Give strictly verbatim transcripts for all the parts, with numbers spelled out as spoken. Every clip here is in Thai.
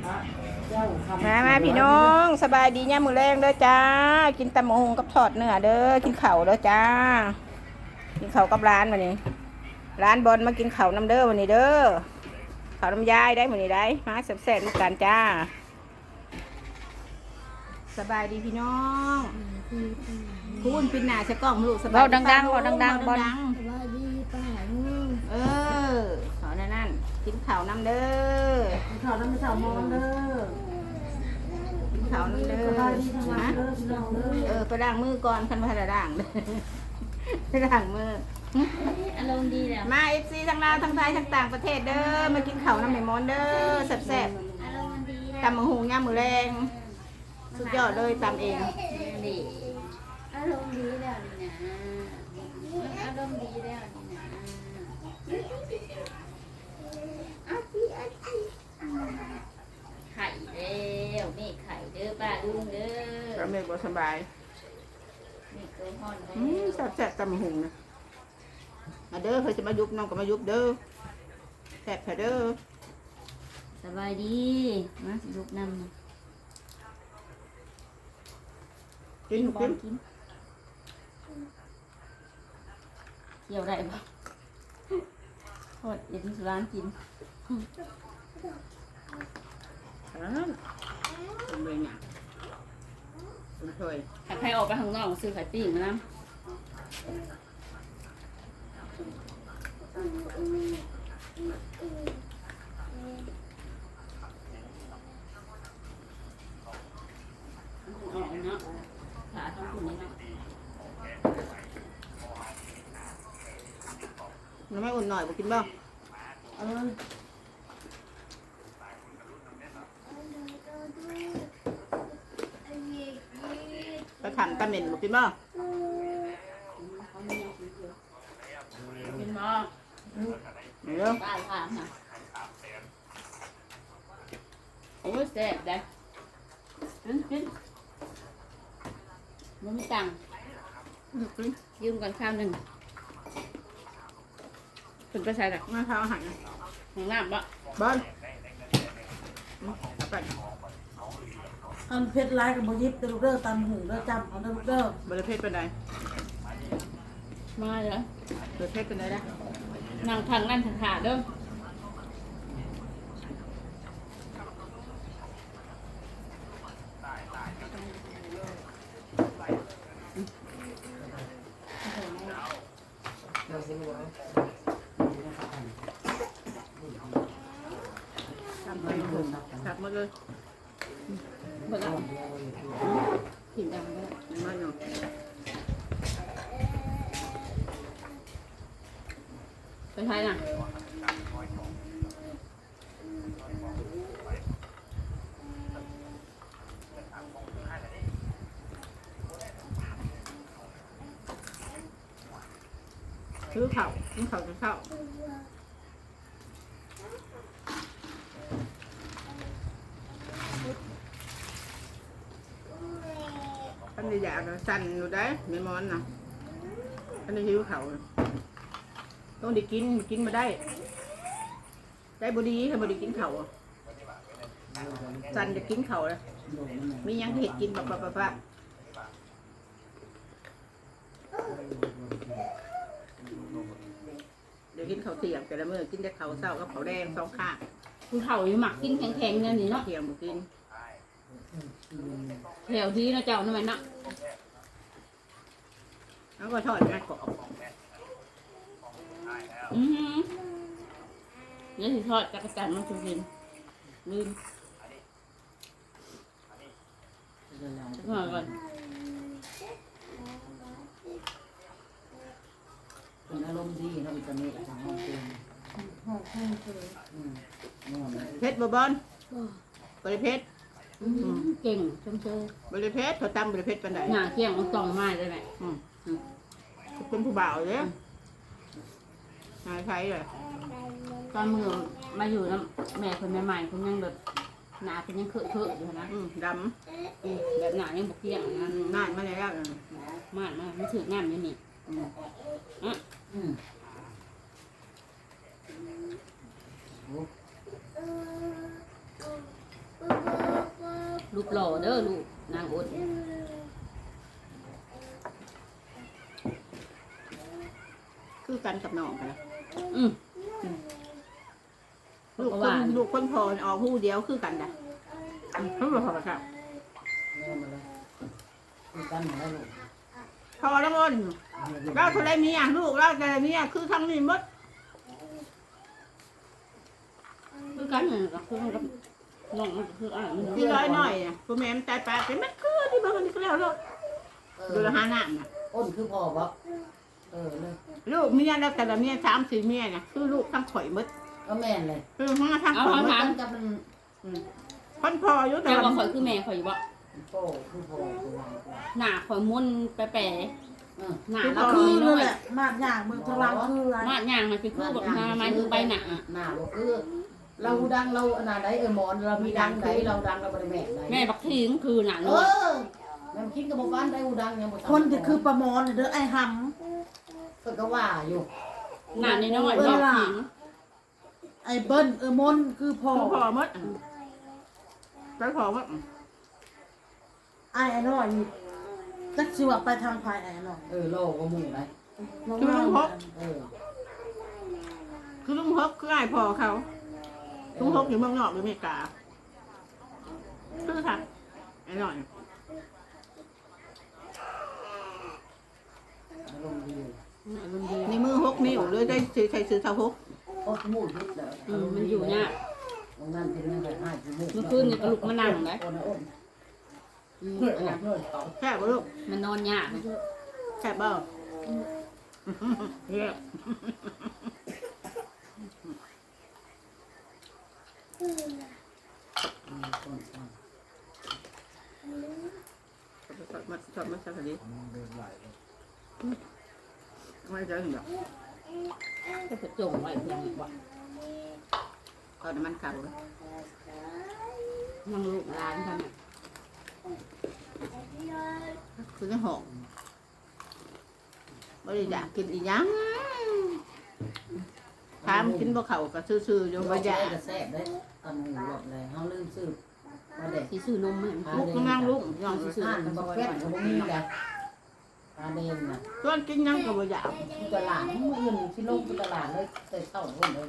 มามาพี่น้องสบายดีเนี่ยมือแรงเด้อจ้ากินตำมะฮงกับทอดเนื้อเด้อกินเข่าวเด้อจ้ากินเข่าวกับร้านวันนี้ร้านบอลมากินเข่าวน้ำเด้อวันนี้เด้อเข่าวน้ำยายได้วันนี้ได้มาแซ่บๆลูกกันจ้าสบายดีพี่น้องพูนปินหนาใช้กล้องลูกสบายเบาดังๆเบาดังๆบอลสวัสดีป้าลุงเออขอนั่นนั่นกินข่าวน้ำเด้อข่าวน้ำมันสาวมอนเด้อกินข่าวน้ำเด้อสบายดีทั้งวันนะเด้อพี่น้องเด้อเออไปล้างมือก่อนคันมาล้างเด้อไปล้างมืออารมณ์ดีแล้วมาเอฟซีทั้งลาวทั้งไทยทั้งต่างประเทศเด้อมากินข้าวน้ำไหมมอนเด้อแซ่บอารมณ์ดีๆแล้วตำมะฮุงย่ามมือแรงสุดยอดเลยตำเองดีอารมณ์ดีแล้วนี่นะมันอารมณ์ดีแล้วนี่นะอาชีอาชีไข่แล้วนี่ไข่เด้อป้าลุงเด้อก็ไม่บ่สบายนี่ตัวห่อนอืมแซ่บๆตำมะฮุงนะมาเด้อเคยจะมายุบน้องก็มายุบเด้อแซ่บเถอะเด้อสบายดีมาสิลูกนำกินบอกิลนกินเกี่ยวได้ปะโทษเดี๋ยวที่ร้านกินครับทำเลยเนี่ยคุณเคยถ้าใครออกไปข้างนอกซื้อไข่ปิ้งมานะออกเนาะขาต้องคุณนี่เนาะน้ำไม่อุ่นหน่อยบ่กินบ่เออไปทำตำเหม็นบ่กินบ่เป็นหมอไม่เด้อตายค่ะค่ะโอ้ยแซ่บได้กินกินมันไม่ตังค์กินยืมก่อนข้าวหนึ่งคุณไปใส่หลักมาเท้าอาหารนะห้องน้ำปะบอลอืมเอาไปอันเพชรร้ายกับโมยิบเด้อลูกเด้อตามหูเด้อจำเอาเด้อลูกเด้อบริเพศเป็นไงมาเหรอบริเพศเป็นไงนะนั่งทางนั่นทางขาเด้อทำไปถูกขับมาเลยเบิกเอาถิ่นดังเด้อมาหน่อยไปใช้น่ะซื้อเข่าซื้อเข่าจะเข้าอันนี้อยากจะสั่นอยู่ได้ไม่มอนนะอันนี้หิวเข่าต้องได้กินกินมาได้ ได้บดีถ้าบดีกินเข่าอะสั่นจะกินเข่าเลยมียังเห็ดกินแบบแบบแบบเดี๋ยวกินข้าวเที่ยงแต่ละมื้อกินแต่ข้าวเช้ากับข้าวแดงสองข้างคุณเฒ่าอยู่หมักกินแข็งๆเนี่ยนี่เนาะเที่ยงบ่กินแถวที่นะเจ้านั่นแหละเนาะแล้วก็ทอดนะกรอบอือหือเดี๋ยวสิทอดจักรจันทร์มาสุกินลืมสักหน่อยก่อนเป็นอารมณ์ดีเนาะอิตาลีของห้องเป็นห้องห้องเคยอืมนอนเลยเพชรบ่บอนบริเพชรอื้อหือเก่งชมเชยบริเพชรเขาตำบริเพชรปานใดหน้าเที่ยงมันต้องมาได้ไหมอืมเป็นผู้บ่าวเด้นายใช้เลยตอนมือมาอยู่นะแม่คนใหม่ๆคนยังแบบหนาเป็นยังเคอะเคอะอยู่นะอืมดอืมแบบหนายังบกเที่ยงนะำน่านมาแล้วมากมากไม่ถืองานอยู่นี่อืมอ่ะอืมเออลูกหล่อเด้อลูกนางอดคือกันกับน้องกันนะอืมลูกคนลูกคนพอออกหูเดียวคือกันนะเขาบอกครับเริ่มมาเลยคือกันหาได้ลูกพอแล้วมันเราเท่าไรเมียลูกเราแต่เมียคือทั้งนี้หมดคือกันน่ะก็คือกับน้องมันก็คืออ่านมันที่ร้อยหน่อยเนี่ยพ่อแม่มันตายไปเป็นมันคือที่บ้านนี่ก็แล้วลูกเอดูอแลหาหน้าน่ะอ้นคือพ่อบ่เออเลยลูกเมียแล้วแต่ละเมียสามสี่เมียเนี่ยคือลูกทั้งข่อยหมดก็แม่นเลยคือทั้งทั้งเอาข่อยเขาหมดถามกับมันคนพออยู่แต่แต่ว่าว่าข่อยคือแม่ข่อยอยู่บ่โป้คือพ่อคือหลานกว่าหน้าข่อยมุนแปะเออๆหน้าก็เราคืคือ อนั่น้นอยแหละมาดย่างเมืองทางหลังคืออะไรมาดย่างมันคือคือแบบมามาคือใบหน้าหน้าบ่คือเราดังเราอันนั้นใดเออหมอนเรามีดังใดเราดังเราบ่ได้แม่ใดแม่บักทิ้งคือหนังเอเลยอแม่คิดกับบ่บ้านได้อูดังยังบ่คนที่คือประมอนเด้อไอ้หเพิ่นก็ว่าอยู่หน้าน้อยๆบักทิ้งำไอ้เบิ้ลเออมนคือพ่อคือพอหมดไปพอหมดไอ้ไอ้น้อยนี่จักสิว่าไปทางภายไอ้น้อยเออโลกก็หมู่ได้คือลุงพกเออคือลุงพกคือไอ้พอเขาลุงพกอยู่เมืองนอกหรืออเมริกาคือค่ะไอ้หน่อยอารมณ์ดีในมือหกนิ้วเลยได้ใช้ซื้อเท่าหกโอ้หมู่ยึดแล้วอืมมันอยู่เนี่ยตรงนั้นเป็นยังไงให้ที่หมู่เมื่อคืนนี่ก็ลุกมานั่งเลยโอ้นะโอ้อืมเพื่อนอันนั้นเพื่อนเขาแค่บ่ลูกมันนอนยากแค่บ่เรียกอืมคนฟังชอบมาชอบมาสักทีไม่เจอหรอกก็จะจงไว้เพียงอีกว่าตอนมันเก่าเลยนั่งลูกหลานกันน่ะคือจะหอมไม่ได้อยากกินอีหยังถามกินบ่เขาก็ซื่อๆอยู่โยบ่บาอยากกระแซ่บได้ตอนหมู่หลดเลยเฮาลืมซื้อมาเด็กสิซื้อนมให้มันลูกก็นั่งลูกย่องอ่านบ่แฟนก็บ่มีแหละตาเดนน่ะส่วนกินหยังก็บ่อยากที่ตลาดมื้ออื่นที่ลงที่ตลาดเลยแต่เช้าพุ่นเลย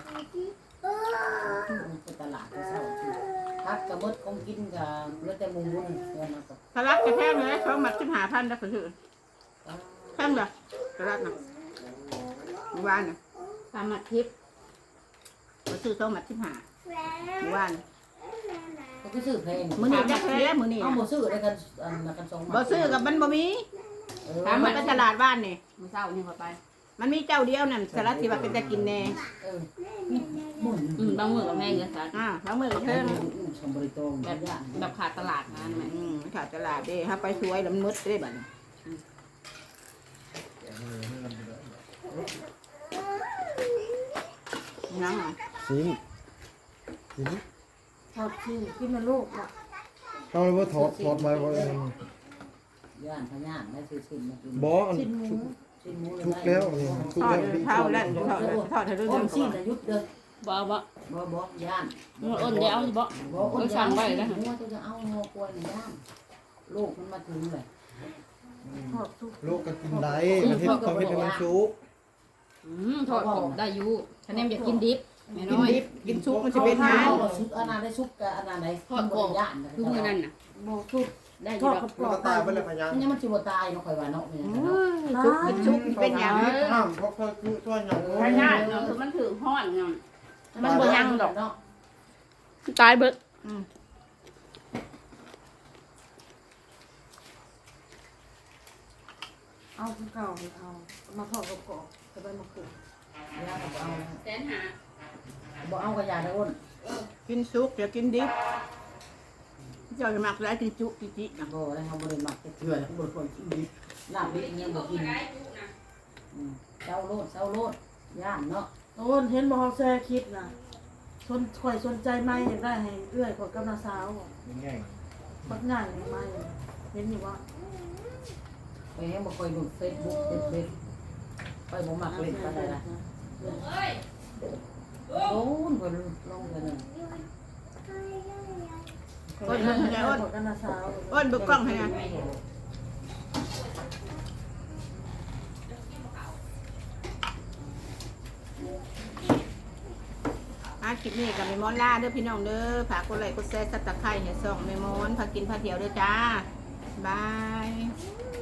ที่ตลาดที่เช้าที่พักกระเบิดคงกินกับเหลือแต่หมูนี่เงินมากับสลัดกระแพงเลยสองหมัดสิบห้าพันแล้วก็ซื้อแพงเลยสลัดน่ะเมื่อวานน่ะตามมาทิพย์ก็ซื้อสองหมัดสิบห้าเมื่อวานก็คือซื้อเพลงมื้อนี้จะแพ้มื้อนี้เอาบ่ซื้อได้กันอันนั้นกันสองบ่ซื้อกับมันบ่มีเออถามมันไปตลาดบ้านนี่มื้อเช้านี่เขาไปมันมีเจ้าเดียวนั่นสลัดที่ว่าเป็นจะกินแน่เออหมุนอืมบางมื้อกับแม่ก็สักอ่าแล้วมื้อก็เพิ่เพิ่มนชมบริตรงแบแบบ บแบบขาดตลาดงานแม่อืมขาดตลาดเด้ถ้าไปสวยแล้วมันมืดได้บัดนี้ยังอ่ะสิงสิงทอดชิ้นกินมันลูกอ่ะเอาเลยว่าถอดถอดมาว่าย่านพญานได้ซื้อชิ้นมากินบออันชิ้นหมูชิ้นหมูทุกแล้วนี่ทุกทอดแล้วเท้าแล้วทอดทอดให้เรื่อ้อน งชิ้นๆจะยุบเด้อบ่เอาบ่บ่บ่ย่านมันอ้นเดี๋ยวเอาสิบ่บ่อ้นย่านหัวจะเอาหัวกล้วยย่านลูกมันมาถึงเลยทอดทุกลูกก็กินได้มันเห็ดเขาเห็ดให้มันสุกอืมทอดกรอบได้อยู่คะแนนอยากกินดิบแม่กินน้อยดิบกินซุปมันจะเป็นเอาหางซุปอันนั้นได้ซุปกับอันนั้นได้ทอดกรอบย่านคือมื้อนั้นน่ะโมทุกได้อทยู่อดดอกกับกรมันอก็บตายไปแล้วพยังมันยังมันสิบ่ตายเนาะข่อยว่าเนาะเนี่ยซุปกินซุปเป็นอย่างห้ามเพราะเขาคือช่วยอย่างพญาติเนาะคือมันถือฮ้อนเนาะ มันบ่ยังดอกเนาะตายเบิดเอาคือเก่าไปเอามาทอดกับกรอบกับใบมะกรูดย่านบ่เอาแสนหาบ่เอากระยาได้อ้นกินซุปเดี๋ยวกินดิบเจ้าจะมักได้กินจุกิจินะบ่ได้เฮาบ่ได้มักเถื่อแล้วบ่ควรกินดิบลาบดิบยังบ่กินอืมเจ้าโลดเจ้าโลดย่านเนาะโอ้นเห็นบอกเขาแซ่คิดนะสนข่อยสนใจไหมอยากได้ให้เอื้อยขอยกำลังสาวอะง่ายบักง่ายไหมเห็นอยู่ว่าไปให้บ่ค่อยดู Facebook เด็ดๆไปบ่มักเล่นปานใดล่ะโดนเพิ่นลงกันนั่นอ้นมันให้อ้นกันนะสาวอ้นเบิกกล้องให้นะอาคลิปนี้กับเมมอนล่าเด้อพี่น้องเด้อฝากกดไลค์กดแชร์ซับสไครต์ให้ส่องเมมอนพากินพาเที่ยวเด้อจ้าบาย